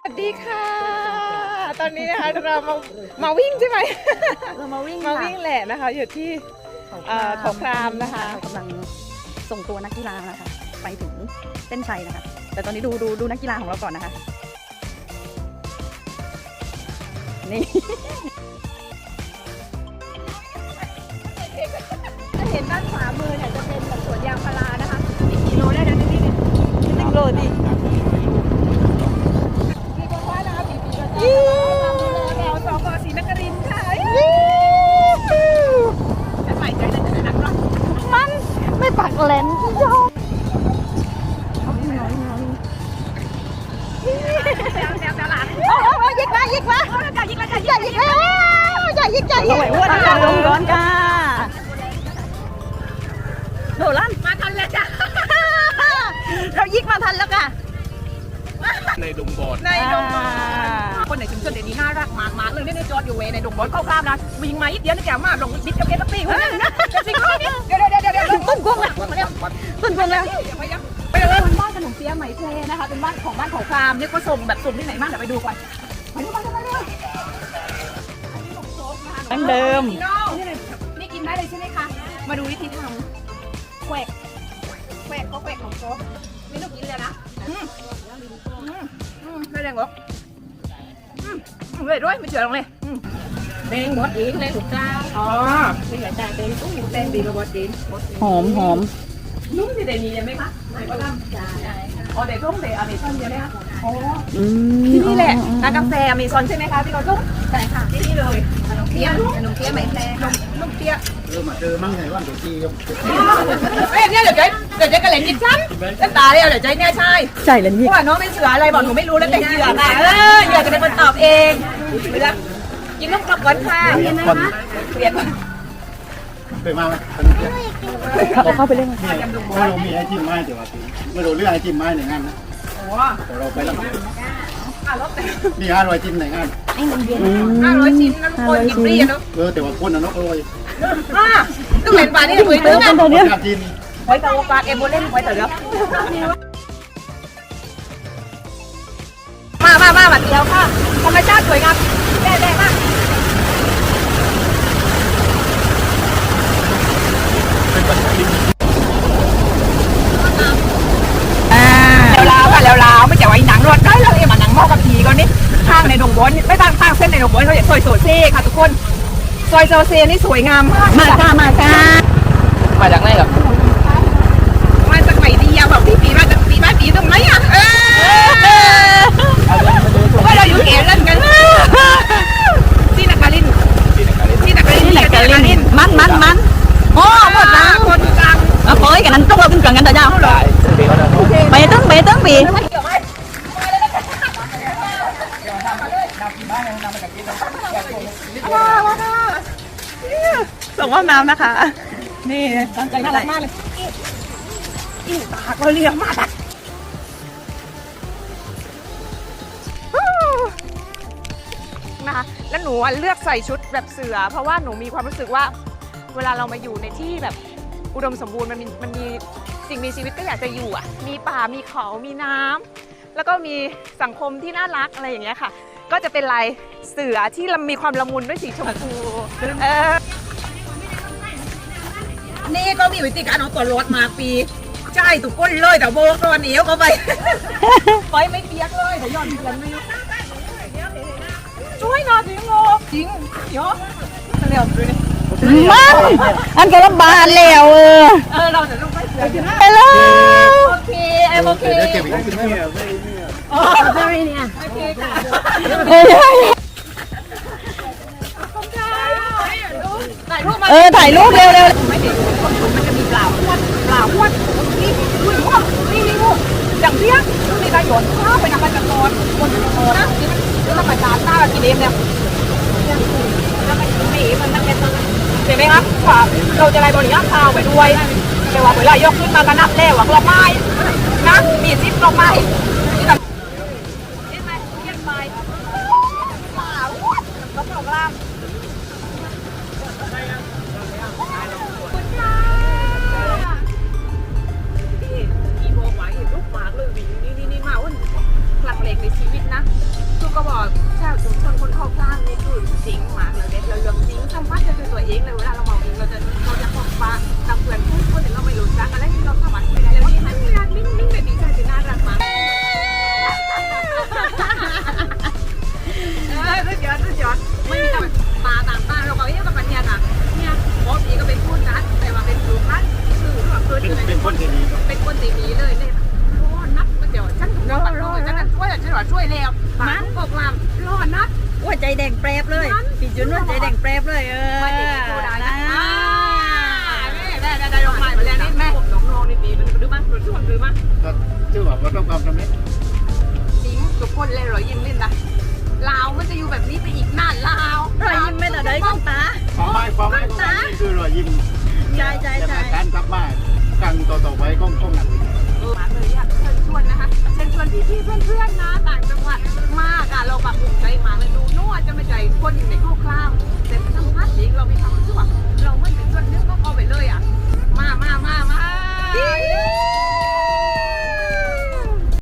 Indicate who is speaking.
Speaker 1: สวัสดีค่ะ ตอนนี้นะคะเรามาวิ่งใช่ไหม
Speaker 2: เรามาวิ่ง
Speaker 1: แหละนะคะอยู่ที่เขาครามนะคะ
Speaker 2: กำลังส่งตัวนักกีฬานะคะไปถึงเส้นชัยนะคะแต่ตอนนี้ดูนักกีฬาของเราก่อนนะคะนี่
Speaker 1: จะเห็นด้านขวามือเนี่ยจะเป็นแบบสวนยางพารานะคะมีกี่โลได้นะที่นี่1 โลดิมีคนว่านะคะปีก็จะแถวสกศรีนครินทร์ค่ะจะใส่ใจในนักร้อง
Speaker 2: มันไม่ปักเลนยอมยิกมาอย่ายิกร้อนจ้าโดดลั่นมาทันแล้วจ้ะเรายิกมาทันแล้วค่ะ
Speaker 3: ในดงบอล
Speaker 1: คนในชุมชนเดี๋ยวนี้น่ารักมากเลยเนี่ยจอดอยู่เวในดงบอลเข้าข้ามนะวิ่งมาอีกเดียวนี่แกมาลงบิดกับเกตตี้คนนึงนะจะสิคนนี้เดี๋ยว
Speaker 2: ต้นกวงแล้ว
Speaker 1: ไปเลยบ้านขนมเปี๊ยะไหมเทนะคะเป็นบ้านของเขาครามนี่ก็ส่งแบบส่งที่ไหนบ้างเดี๋ยวไปดูก่อนไปดูกันเร็ว
Speaker 2: ตั้งเดิม
Speaker 1: นี่กินได้เลยใช่ไหมคะมาดูวิธีทำแขวกของโต๊ะไม่ต้องกินเลยนะไม่แดงหรอกเลยด้วยไม่เฉื่อยลงเลยแดงบดอีกแดงถูกจ้าอ๋อเป็นไงจ้าแดงตู้แดงดีกว่าบดอีก
Speaker 2: หอม
Speaker 1: นุ่มที่เดนียังไหมคะไหนก็ทำจ้าอ๋อเดี๋ยวทุ่งเดี๋ยวอเมซอนเยอะไหมคะอ๋อที่นี่แหละร้านกาแฟอเมซอนใช่ไหมคะที่เราทุ่งใช่ค่ะที่นี่เลยขนมเปี๊ยะไหมแพรนมเปี๊ยะ
Speaker 3: มาเจอมั่งไงว่าเดี๋ยวจี้ก็
Speaker 1: เนี่ยเดี๋ยวใจกระเหล่นยิบฉันตาเดียวเดี๋ยวใจเนี่ยใช่
Speaker 2: ใจเลยนี่
Speaker 1: ว่าน้องเป็นเสืออะไรบอกหนูไม่รู้แล้วแต่เหยื่อค่ะเหยื่อจะเป็นคนตอบเองไปแล้วกินลูกกระป๋องค่ะเรียน
Speaker 3: ไปมา
Speaker 2: เข้าไปเล่น
Speaker 3: เรามีไอจิ้มไม้เดี๋ยวไม่รู้เรื่องไอจิ้มไม้ในงานนะเราไปแล้วมี500จิ้มในงาน
Speaker 1: 500ชิ้นนั่นคนกินฟรีเนาะ
Speaker 3: แต่ว่าคนน่ะเนาะ
Speaker 1: ต้องเป็นปลานี่คุยตึ้งนะ
Speaker 3: จิ้ม
Speaker 1: ไว้ตัวปลาเอโบเล่นไว้เถอะมาบัดเดียวค่ะธรรมชาติสวยงามแดงมากแล้วไม่จะไว้หนังรถได้แล้วมาหนังหม้อกับผีก่อนนี่ข้างในดงบอนไม่ตั้งเส้นในดงบอนเขาซอยโซเซ่ค่ะทุกคนซอยโซเซ่นี่สวยงามมาก
Speaker 2: มาจากไหนกับ
Speaker 1: มาจากไหนดีอะบอกพี่ปีมาจากปีบ้านปีตรงไหนอะว่าเราอยู่เขียนเล่นกันที่นักการลิน
Speaker 2: มันโอ้หมดแล้ว
Speaker 1: คนกลาง
Speaker 2: โอ้ยกันนั้นต้องเราขึ้นก่อนกันแต่เจ้าไปตึ้งปีส่งว่ายน้ำนะคะนี่ตั้งใจน่ารักมากเลย
Speaker 1: ตาก็เลี้ยงมากนะคะแล้วหนูเลือกใส่ชุดแบบเสือเพราะว่าหนูมีความรู้สึกว่าเวลาเรามาอยู่ในที่แบบอุดมสมบูรณ์มันมีสิ่งมีชีวิตก็อยากจะอยู่อ่ะมีป่ามีเขามีน้ำแล้วก็มีสังคมที่น่ารักอะไรอย่างเงี้ยค่ะก็จะเป็นลายเสือที่มีความละมุนด้วยสีชมพูนี่ก็มีวิธีการเอาตัวรถมาปีใช่ตุกก้นเลยแต่โบกตัวเหนียวเข้าไปไฟไม่เปียกเลยแต่ย้อนเดือนไม่ช่วยหน่อยจริงโง่จริงเยอะเร็วดูดิ
Speaker 2: มันอันก็ลำบากแล้ว
Speaker 1: เราจะต้องไปเสือ
Speaker 2: ไปเลย
Speaker 1: โอเค
Speaker 3: เก็บอีกกินไม่
Speaker 1: เนี่ยโอเคค่ะ
Speaker 2: ถ่ายรูปเร็ว
Speaker 1: ไม่เห็นมันจะมีเปล่าพวดนี่อย่างเที่ยงมีการหย่อนข้าวไปนำไปจัดตอนคนจะตอนนะแล้วเราไปตามหน้ากินเองเนี่ยแล้วมันหนีมันเป็นเห็นไหมครับว่าเราจะไล่บริยาข้าวไปด้วยแต่ว่าเวลายกขึ้นมาก็นับแล้วว่าเราไม้นะมีซิปเราไม้นี่แบบนี่ไหมเยี่ยมไปเปล่าก็โปรแกรมนี่มีโบไหวลูกหมากเลยนี่มาอ้นหลักเหล็กในชีวิตนะก็บอกชาวชุมชนคนเข้าข้างนี่คือจริงมากเลยเด็ดเราเรื่องจริงสัมผัสจะคือตัวเองเลยเวลาเราเมาเองเราจะบอกว่าตามเพื่อนพูดคนเราไม่รู้จักอะไรที่เราสามารถคุยได้แล้วนี่มันงานนิ่งๆแบบนี้ใจจะน่ารักมากสุดยอดไม่มีแบบตาต่างตาเราก็เอ๊ะกับมันเนี่ยนะเนี่ยหมอผีก็เป็นพูดนะแต่ว่าเป็นครูพันคือแบบ
Speaker 3: เป็นคนที่ดี
Speaker 1: เป็นคนตีนี้เลยเนี่ยรอนับเดี๋ยวฉันรอฉันช่วยฉันว่าช่วยแล้วมันบอกลำรอนับ
Speaker 2: ว่าใจแดงแปรบเลยพี่จุนว่าใจแดงแปรบเลย
Speaker 1: ไม่ได้โทรได้นะได้ลงมาไปแล้วนี่แม่น้องๆนี่ดีมันดื้อมากช่วยดื้อมาก
Speaker 3: ก็ชื่อว่าประสบความสำเร็จ
Speaker 1: จริงทุกคนเลยรอยยิ้มเล่นนะลาวมันจะอยู่แบบนี้ไปอีกนานลาว
Speaker 2: รอยยิ้มไม่แต่ได้คุณตา
Speaker 3: ความหมายของมันนี่คือรอยยิ้ม
Speaker 2: ใช่
Speaker 3: การกลับมาครั้งต่อไปของหนัง
Speaker 1: มาเลยอยากเชิญชวนนะคะเชิญชวนพี่ๆเพื่อนๆนะต่างจังหวัดมากอ่ะเราแบบภูมิใจมากเลยดูโน่จะไม่ใจคนในครอบครัวแต่สัมภาษณ์จริงเรามีความรู้สึกว่า